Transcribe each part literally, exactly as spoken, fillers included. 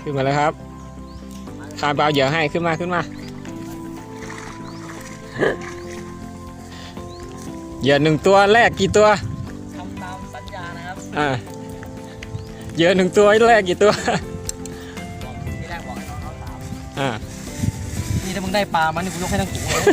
ขึ้นมาเลยครับคาร์บเอาเหยื่อให้ขึ้นมาขึ้นมาเหยื่อหนึ่งตัวแรกกี่ตัวทำตามสัญญานะครับอ่าเหยื่อหนึ่งตัวแรกกี่ตัวที่แรกบอกให้น้องเขาสามอ่านี่ถ้ามึงได้ปลามันนี่กูยกให้ทั้งถุงเลย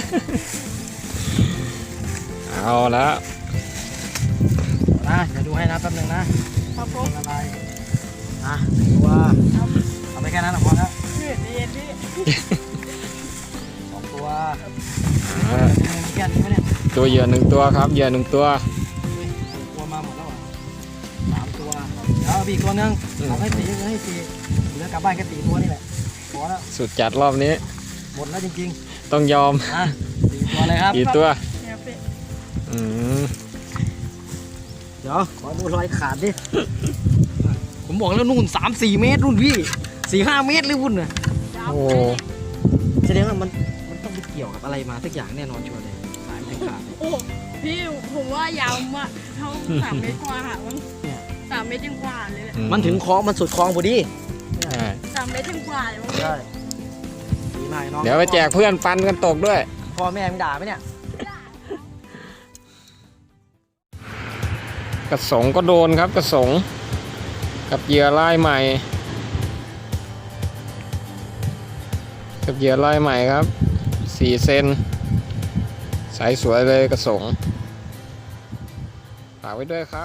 เอาแล้วนะเดี๋ยวดูให้นะแป๊บนึงนะครับผมอะไรอ่ะตัวเอาไปแค่นั้นพอแล้วพี่เย็นพี่สองตัวมีแค่นี้ไหมเนี่ยตัวเหยื่อหนึ่งตัวครับเหยื่อหนึ่งตัวตัวมาหมดแล้วอ่ะสามตัวเดี๋ยวอีกตัวนึงเอาให้สี่ให้สี่เหลือกลับบ้านแค่สี่ตัวนี่แหละพอแล้วสุดจัดรอบนี้หมดแล้วจริงๆต้องยอมอ่ะสี่ตัวเลยครับสี่ตัวอืมเดี๋ยวขอดูรอยขาดดิผมบอกแล้วนู่นสามสี่เมตรนู่นพี่สี่ห้าเมตรเลยวุ่นน่ะโอ้แสดงว่ามันมันต้องไปเกี่ยวกับอะไรมาสักอย่างแน่นอนชัวร์เลยสายถึงขาดโอ้พี่ผมว่ายาวมากเท่าสามเมตรกว่าค่ะมันสามเมตรยังกว่าเลยมันถึงคลองมันสุดคลองพอดีสามเมตรยังกว่าเลยใช่ดีมากน้องเดี๋ยวไปแจกเพื่อนปันกันตกด้วยพ่อแม่มึงด่าไหมเนี่ยกระสงก็โดนครับกระสงกับเหยื่อลายใหม่กับเหยื่อลายใหม่ครับสี่เซนใสสวยเลยกระสงฝากไว้ด้วยครับ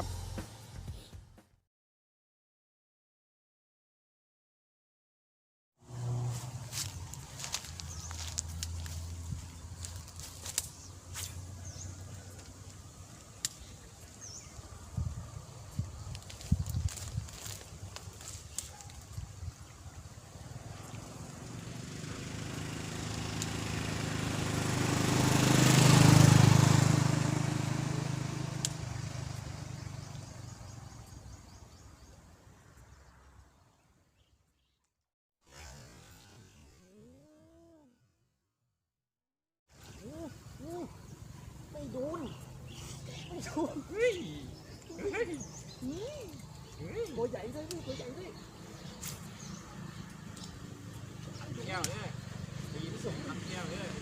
ไม่โดนไม่โดนเฮ้ยเฮ้ยตัวใหญ่ด้วยตัวใหญ่ด้วยแก้วเนี่ยตีผสมน้ำแก้วเนี่ย